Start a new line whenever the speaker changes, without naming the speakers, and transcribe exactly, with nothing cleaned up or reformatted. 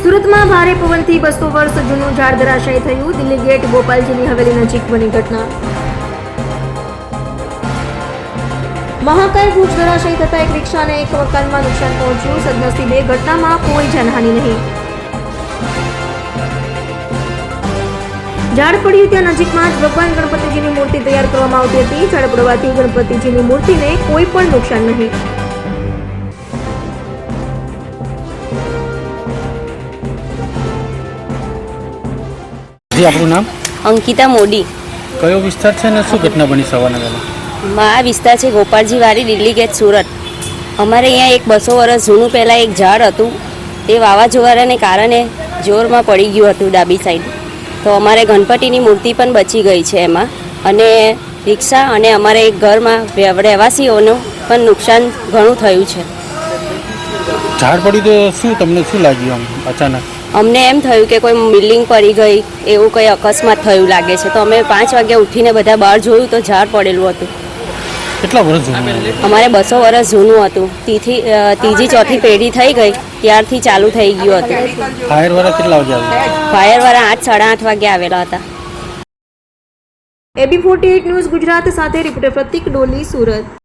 સુરતમાં ભારે પવનથી બસો વર્ષ જૂનું ઝાડ ધરાશાયી થયું. દિલ્હી ગેટ ગોપાલજીની હવેલી નજીક બની ઘટના. મહાકાય વૃક્ષ ધરાશાયી થતા એક રિક્ષા અને એક મકાનમાં નુકસાન પહોંચ્યું. સદનસીબે ઘટનામાં કોઈ જાનહાનિ નહીં. ઝાડ પડ્યું ત્યાં નજીકમાં જ ભગવાન ગણપતિજીની મૂર્તિ તૈયાર કરવામાં આવતી હતી. ઝાડ પડવાથી ગણપતિજીની મૂર્તિને કોઈ પણ નુકસાન નહીં.
જી, આપણું નામ?
અંકિતા મોદી.
કયો વિસ્તાર છે ને શું ઘટના બની સવારના વહેલા?
આ વિસ્તાર છે ગોપાલજી વાડી, દિલ્હી ગેટ, સુરત. અમારે અહીંયા એક બસો વર્ષ જૂનું પહેલાં એક ઝાડ હતું. તે વાવાઝોડાને કારણે જોરમાં પડી ગયું હતું ડાબી સાઈડ. તો અમારે ગણપતિની મૂર્તિ પણ બચી ગઈ છે એમાં, અને રિક્ષા અને અમારે એક ઘરમાં રહેવાસીઓનું પણ નુકસાન ઘણું થયું છે.
ઝાડ પડ્યું તો શું તમને શું લાગ્યું આમ અચાનક?
અમને એમ થયું કે કોઈ બિલ્ડિંગ પડી ગઈ, એવું કંઈ અકસ્માત થયું લાગે છે. તો અમે પાંચ વાગ્યા ઉઠીને બધા બહાર જોયું તો ઝાડ પડેલું હતું.
કેટલા વર્ષ જૂનું?
અમારે બસો વર્ષ જૂનું હતું. તીથી ત્રીજી ચોથી પેઢી થઈ ગઈ ત્યારથી ચાલુ થઈ ગયું હતું.
ફાયર વાળા કેટલા વાગે આવ્યા?
ફાયર વાળા આઠ સાડા આઠ વાગે આવેલા હતા.
AB forty eight news Gujarat સાથે રિપોર્ટર પ્રતિક ડોલી, સુરત.